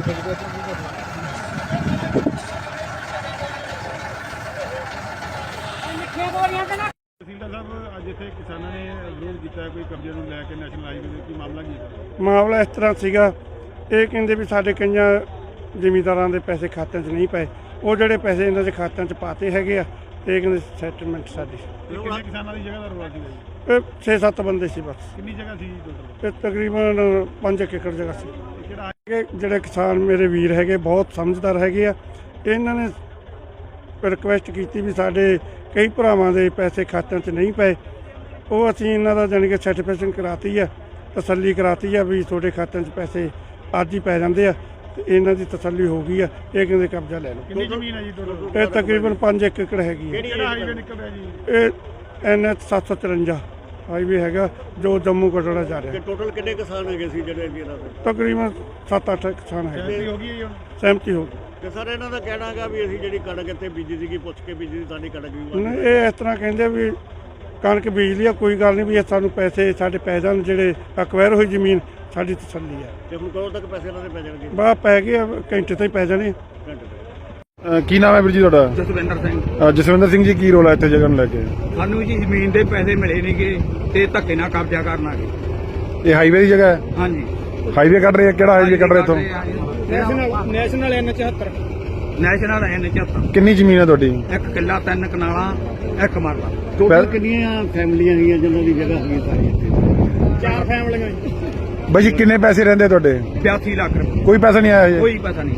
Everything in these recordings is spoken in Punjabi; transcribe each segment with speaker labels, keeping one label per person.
Speaker 1: ਤਹਿਸੀਲਦਾਰ ਸਾਹਿਬ ਅੱਜ ਇੱਥੇ ਕਿਸਾਨਾਂ ਨੇ ਵਿਰੋਧ ਕੀਤਾ ਕੋਈ ਕਬਜ਼ੇ ਨੂੰ ਲੈ ਕੇ ਨੈਸ਼ਨਲ ਹਾਈਵੇ ਦੇ ਕੀ ਮਾਮਲਾ ਕੀ ਹੈ?
Speaker 2: ਮਾਮਲਾ ਇਸ ਤਰ੍ਹਾਂ ਸੀਗਾ, ਇਹ ਕਹਿੰਦੇ ਵੀ ਸਾਡੇ ਕਈਆਂ ਜ਼ਿਮੀਂਦਾਰਾਂ ਦੇ ਪੈਸੇ ਖਾਤਿਆਂ 'ਚ ਨਹੀਂ ਪਏ, ਉਹ ਜਿਹੜੇ ਪੈਸੇ ਇਹਨਾਂ ਦੇ ਖਾਤਿਆਂ 'ਚ ਪਾਤੇ ਹੈਗੇ ਆ, ਇਹ ਕਹਿੰਦੇ ਸੈਟਲਮੈਂਟ ਸਾਡੀ।
Speaker 1: ਕਿੰਨੇ ਕਿਸਾਨਾਂ ਦੀ ਜਗ੍ਹਾ ਦਾ ਰੌਲਾ ਸੀਗਾ ਜੀ?
Speaker 2: ਇਹ 6-7 ਬੰਦੇ ਸੀ ਬਸ।
Speaker 1: ਕਿੰਨੀ ਜਗ੍ਹਾ ਸੀ ਟੋਟਲ?
Speaker 2: ਇਹ ਤਕਰੀਬਨ 5 ਏਕੜ ਜਗ੍ਹਾ ਸੀ।
Speaker 1: ਕਿਹੜਾ
Speaker 2: ਜਿਹੜੇ ਕਿਸਾਨ ਮੇਰੇ ਵੀਰ ਹੈਗੇ ਬਹੁਤ ਸਮਝਦਾਰ ਹੈਗੇ ਆ, ਇਹਨਾਂ ਨੇ ਰਿਕੁਐਸਟ ਕੀਤੀ ਵੀ ਸਾਡੇ ਕਈ ਭਰਾਵਾਂ ਦੇ ਪੈਸੇ ਖਾਤਿਆਂ 'ਚ ਨਹੀਂ ਪਏ, ਉਹ ਅਸੀਂ ਇਹਨਾਂ ਦਾ ਜਾਣੀ ਕਿ ਸਰਟੀਫਿਕੇਸ਼ਨ ਕਰਾਤੀ ਆ, ਤਸੱਲੀ ਕਰਾਤੀ ਆ ਵੀ ਤੁਹਾਡੇ ਖਾਤਿਆਂ 'ਚ ਪੈਸੇ ਅੱਜ ਹੀ ਪੈ ਜਾਂਦੇ ਆ, ਤੇ ਇਹਨਾਂ ਦੀ ਤਸੱਲੀ ਹੋ ਗਈ ਆ। ਇਹ ਕਹਿੰਦੇ ਕਬਜ਼ਾ ਲੈ ਲਓ।
Speaker 1: ਕਿੰਨੀ ਜ਼ਮੀਨ ਹੈ ਜੀ ਟੋਟਲ?
Speaker 2: ਇਹ ਤਕਰੀਬਨ 5 ਏਕੜ ਹੈਗੀ ਹੈ।
Speaker 1: ਕਿਹੜਾ ਹਾਈਵੇ ਨਿਕਲ ਰਿਹਾ ਜੀ?
Speaker 2: ਇਹ NH 753 ਹਾਈਵੇ ਹੈਗਾ ਜੋ ਜੰਮੂ ਕਟੜਾ ਜਾ ਰਿਹਾ।
Speaker 3: ਟੋਟਲ ਕਿੰਨੇ ਕਿਸਾਨ ਹੈਗੇ ਸੀ ਜਿਹੜੇ ਇਹਨਾਂ ਦੇ?
Speaker 2: ਤਕਰੀਬਨ 7-8 ਕਿਸਾਨ ਹੈਗੇ।
Speaker 1: ਸਹਿਮਤੀ ਹੋ ਗਈ ਹੈ ਹੁਣ?
Speaker 2: ਸਹਿਮਤੀ ਹੋ ਗਈ।
Speaker 3: ਤੇ ਸਰ ਇਹਨਾਂ ਦਾ ਕਹਿਣਾ ਹੈਗਾ ਵੀ ਅਸੀਂ ਜਿਹੜੀ ਕਣਕ ਇੱਥੇ ਬੀਜੀ ਸੀਗੀ ਪੁੱਛ ਕੇ ਬੀਜੀ ਸੀ, ਸਾਡੀ ਕਣਕ ਵੀ
Speaker 2: ਨਹੀਂ, ਇਹ ਇਸ ਤਰ੍ਹਾਂ ਕਹਿੰਦੇ ਵੀ ਕਣਕ ਬੀਜ ਲਈ ਆ, ਕੋਈ ਗੱਲ ਨਹੀਂ ਵੀ ਇਹ ਸਾਨੂੰ ਪੈਸੇ ਸਾਡੇ ਪੈ ਜਾਣ, ਜਿਹੜੇ ਅਕਵਾਇਰ ਹੋਈ ਜ਼ਮੀਨ ਸਾਡੀ ਤਸੱਲੀ ਆ।
Speaker 3: ਤੇ ਹੁਣ ਕਦੋਂ ਤੱਕ ਪੈਸੇ ਇਹਨਾਂ ਦੇ ਪੈ ਜਾਣਗੇ?
Speaker 2: ਬਾ ਪੈ ਗਏ ਆ, ਘੰਟੇ ਤੋਂ ਹੀ ਪੈ ਜਾਣੇ।
Speaker 3: ਘੰਟੇ ਤੱਕ।
Speaker 1: ਕੀ ਨਾਮ ਹੈ ਵੀਰ ਜੀ ਤੁਹਾਡਾ?
Speaker 4: ਜਸਵਿੰਦਰ ਸਿੰਘ।
Speaker 1: ਜਸਵਿੰਦਰ ਸਿੰਘ ਜੀ, ਕੀ ਰੋਲ ਹੈ ਇੱਥੇ ਜਗ੍ਹਾ ਨੂੰ ਲੈ ਕੇ?
Speaker 4: ਸਾਨੂੰ ਜੀ ਜ਼ਮੀਨ ਦੇ ਪੈਸੇ ਮਿਲੇ ਨਹੀਂਗੇ ਤੇ ਧੱਕੇ ਨਾਲ ਕਬਜ਼ਾ ਕਰਨ ਆ ਗਏ।
Speaker 1: ਇਹ ਹਾਈਵੇ ਦੀ ਜਗ੍ਹਾ ਹੈ?
Speaker 4: ਹਾਂਜੀ।
Speaker 1: ਹਾਈਵੇ ਕੱਢ ਰਹੇ ਆ? ਕਿਹੜਾ ਹਾਈਵੇ ਕੱਢ ਰਹੇ ਇੱਥੋਂ?
Speaker 4: National N74। National N74।
Speaker 1: ਕਿੰਨੀ ਜ਼ਮੀਨ ਹੈ ਤੁਹਾਡੀ?
Speaker 4: 1 ਕਿੱਲਾ 3 ਕਨਾਲਾਂ 1 ਮਰਲਾ।
Speaker 3: ਟੋਟਲ ਕਿੰਨੀਆਂ ਫੈਮਲੀਆਂ ਹੈਗੀਆਂ ਜਿਨ੍ਹਾਂ ਦੀ ਜਗ੍ਹਾ ਹੈਗੀ ਸਾਰੀ ਇੱਥੇ?
Speaker 4: 4 ਫੈਮਲੀਆਂ।
Speaker 1: ਬਾਈ ਜੀ ਕਿੰਨੇ ਪੈਸੇ ਰਹਿੰਦੇ ਤੁਹਾਡੇ?
Speaker 4: 82 ਲੱਖ ਰੁਪਏ।
Speaker 1: ਕੋਈ ਪੈਸਾ ਨਹੀਂ ਆਇਆ ਹਜੇ?
Speaker 4: ਕੋਈ ਪਤਾ ਨਹੀਂ।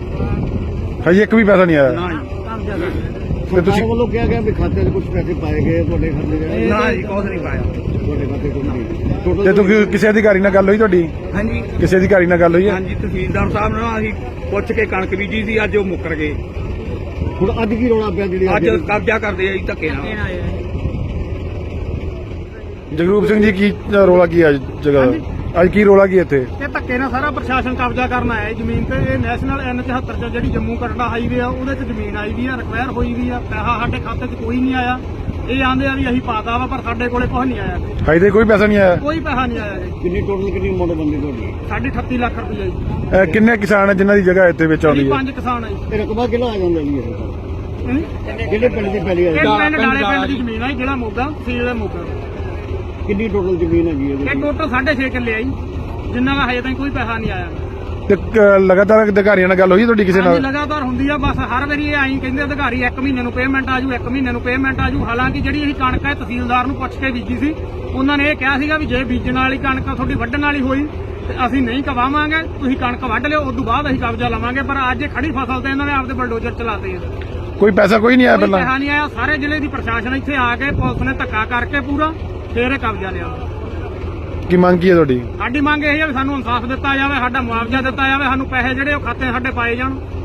Speaker 1: ਹਜੇ ਇੱਕ ਵੀ ਪੈਸਾ ਨਹੀਂ ਆਇਆ?
Speaker 4: ਨਾ ਜੀ।
Speaker 1: ਤੇ ਤੁਸੀਂ
Speaker 3: ਸਰਕਾਰ ਵੱਲੋਂ ਕਿਹਾ ਗਿਆ ਵੀ ਖਾਤੇ 'ਚ ਕੁਝ ਪੈਸੇ ਪਾਏ ਗਏ ਤੁਹਾਡੇ ਖਾਤੇ 'ਚ?
Speaker 4: ਨਾ ਜੀ, ਕੁਛ ਨਹੀਂ ਪਾਇਆ।
Speaker 3: ਤੁਹਾਡੇ ਖਾਤੇ 'ਚ ਕੁਝ ਨਹੀਂ।
Speaker 1: ਤੇ
Speaker 3: ਟੋਟਲ
Speaker 1: ਤੁਸੀਂ ਕਿਸੇ ਅਧਿਕਾਰੀ ਨਾਲ ਗੱਲ ਹੋਈ ਤੁਹਾਡੀ?
Speaker 4: ਹਾਂਜੀ।
Speaker 1: ਕਿਸੇ ਅਧਿਕਾਰੀ ਨਾਲ ਗੱਲ ਹੋਈ ਹੈ?
Speaker 4: ਹਾਂਜੀ, ਤਹਿਸੀਲਦਾਰ ਸਾਹਿਬ ਨਾਲ ਅਸੀਂ ਪੁੱਛ ਕੇ ਕਣਕ ਬੀਜੀ ਸੀ, ਅੱਜ ਉਹ ਮੁੱਕਰ ਗਏ।
Speaker 3: ਹੁਣ ਅੱਜ ਕੀ ਰੌਲਾ ਪਿਆ ਜਿਹੜੀ
Speaker 4: ਅੱਜ ਕਬਜ਼ਾ ਕਰਦੇ ਆ ਜੀ ਧੱਕੇ ਨਾਲ।
Speaker 1: ਜਗਰੂਪ ਸਿੰਘ ਜੀ, ਕੀ ਰੋਲਾ ਕੀ ਹੈ ਅੱਜ ਜਗ੍ਹਾ ਦਾ? ਅੱਜ ਕੀ ਰੋਲਾ ਕੀ ਇੱਥੇ?
Speaker 2: ਇਹ ਧੱਕੇ ਨਾਲ ਸਾਰਾ ਪ੍ਰਸ਼ਾਸਨ ਕਬਜ਼ਾ ਕਰਨ ਆਇਆ ਜ਼ਮੀਨ ਤੇ। ਇਹ ਨੈਸ਼ਨਲ N74 'ਚ ਜਿਹੜੀ ਜੰਮੂ ਕਟੜਾ ਹਾਈਵੇ ਆ, ਉਹਦੇ 'ਚ ਜ਼ਮੀਨ ਆਈ ਵੀ ਆ, ਰਿਕਵਾਇਰ ਹੋਈ ਵੀ ਆ, ਪੈਸਾ ਸਾਡੇ ਖਾਤੇ 'ਚ ਕੋਈ ਨਹੀਂ ਆਇਆ। ਇਹ ਆਂਦੇ ਆ ਵੀ ਅਸੀਂ ਪਾਤਾ ਵਾ, ਪਰ ਸਾਡੇ ਕੋਲੇ ਕੁਝ ਨਹੀਂ ਆਇਆ।
Speaker 1: ਹਜੇ ਕੋਈ ਪੈਸਾ ਨਹੀਂ ਆਇਆ?
Speaker 2: ਕੋਈ ਪੈਸਾ ਨਹੀਂ ਆਇਆ ਜੀ।
Speaker 3: ਕਿੰਨੀ ਟੋਟਲ ਕਿੰਨੀ ਅਮਾਉਂਟ ਬੰਦੀ ਤੁਹਾਡੀ?
Speaker 2: ਸਾਡੀ 38 ਲੱਖ ਰੁਪਏ ਜੀ।
Speaker 1: ਕਿੰਨੇ ਕਿਸਾਨ ਹੈ ਜਿਨ੍ਹਾਂ ਦੀ ਜਗ੍ਹਾ ਇੱਥੇ ਵਿੱਚ ਆਉਂਦੀ ਹੈ?
Speaker 2: 5 ਕਿਸਾਨ ਆ ਜੀ।
Speaker 3: ਇਹ ਰਕਬਾ ਕਿਹੜਾ ਆ ਜਾਂਦਾ ਜੀ ਇਹ? ਜਿਹੜੇ ਪਿੰਡ ਦੀ ਪਹਿਲੀ
Speaker 2: ਇਹ
Speaker 3: ਆ?
Speaker 2: ਪਿੰਡ ਡਾਲੇ ਪਿੰਡ ਦੀ ਜ਼ਮੀਨ ਆ ਜੀ, ਜਿਹੜਾ ਮੋਗਾ ਤਹਿਸੀਲ ਦਾ ਮੋਗਾ।
Speaker 3: ਕਿੰਨੀ ਟੋਟਲ ਜ਼ਮੀਨ ਹੈਗੀ
Speaker 2: ਇਹ
Speaker 3: ਇਹਦੀ?
Speaker 2: ਟੋਟਲ 6.5 ਕਿੱਲੇ ਆ ਜੀ, ਜਿੰਨਾ ਦਾ ਹਜੇ ਤਾਈਂ ਕੋਈ ਪੈਸਾ ਨਹੀਂ ਆਇਆ।
Speaker 1: ਤੇ ਲਗਾਤਾਰ ਅਧਿਕਾਰੀਆਂ ਨਾਲ ਗੱਲ ਹੋਈ ਤੁਹਾਡੀ ਕਿਸੇ
Speaker 2: ਹਾਂਜੀ,
Speaker 1: ਨਾਲ?
Speaker 2: ਲਗਾਤਾਰ ਹੁੰਦੀ ਆ। ਬਸ ਹਰ ਵਾਰੀ ਇਹ ਆਈ ਕਹਿੰਦੇ ਅਧਿਕਾਰੀ 1 ਮਹੀਨੇ ਨੂੰ ਪੇਮੈਂਟ ਆਜੂ, 1 ਮਹੀਨੇ ਨੂੰ ਪੇਮੈਂਟ ਆਜੂ। ਹਾਲਾਂਕਿ ਜਿਹੜੀ ਅਸੀਂ ਕਣਕ ਹੈ ਤਹਿਸੀਲਦਾਰ ਨੂੰ ਪੁੱਛ ਕੇ ਬੀਜੀ ਸੀ, ਉਹਨਾਂ ਨੇ ਇਹ ਕਿਹਾ ਸੀਗਾ ਵੀ ਜੇ ਬੀਜਣ ਵਾਲੀ ਕਣਕ ਤੁਹਾਡੀ ਵੱਢਣ ਵਾਲੀ ਹੋਈ ਤੇ ਅਸੀਂ ਨਹੀਂ ਕਵਾਵਾਂਗੇ, ਤੁਸੀਂ ਕਣਕ ਵੱਢ ਲਿਓ, ਉਸ ਤੋਂ ਬਾਅਦ ਅਸੀਂ ਕਬਜ਼ਾ ਲਵਾਂਗੇ। ਪਰ ਅੱਜ ਇਹ ਖੜੀ ਫਸਲ ਤੇ ਇਹਨਾਂ ਨੇ ਆਪਦੇ ਬਲਡੋਜ਼ਰ ਚਲਾਤੇ ਆ।
Speaker 1: ਕੋਈ ਪੈਸਾ ਕੋਈ ਨਹੀਂ ਆਇਆ
Speaker 2: ਕੋਈ
Speaker 1: ਪਹਿਲਾਂ?
Speaker 2: ਪੈਸਾ ਨਹੀਂ ਆਇਆ। ਸਾਰੇ ਜ਼ਿਲ੍ਹੇ ਦੀ ਪ੍ਰਸ਼ਾਸਨ ਇੱਥੇ ਆ ਕੇ ਪੁਲਿਸ ਨੇ ਧੱਕਾ ਕਰਕੇ ਪੂਰਾ ਫੇਰ ਇਹ ਕਬਜ਼ਾ ਲਿਆ।
Speaker 1: ਕੀ ਮੰਗ ਕੀ ਹੈ ਤੁਹਾਡੀ?
Speaker 2: ਸਾਡੀ ਮੰਗ ਇਹ ਹੈ ਵੀ ਸਾਨੂੰ ਇਨਸਾਫ ਦਿੱਤਾ ਜਾਵੇ, ਸਾਡਾ ਮੁਆਵਜ਼ਾ ਦਿੱਤਾ ਜਾਵੇ, ਸਾਨੂੰ ਪੈਸੇ ਜਿਹੜੇ ਉਹ ਖਾਤੇ ਸਾਡੇ ਪਾਏ ਜਾਣ।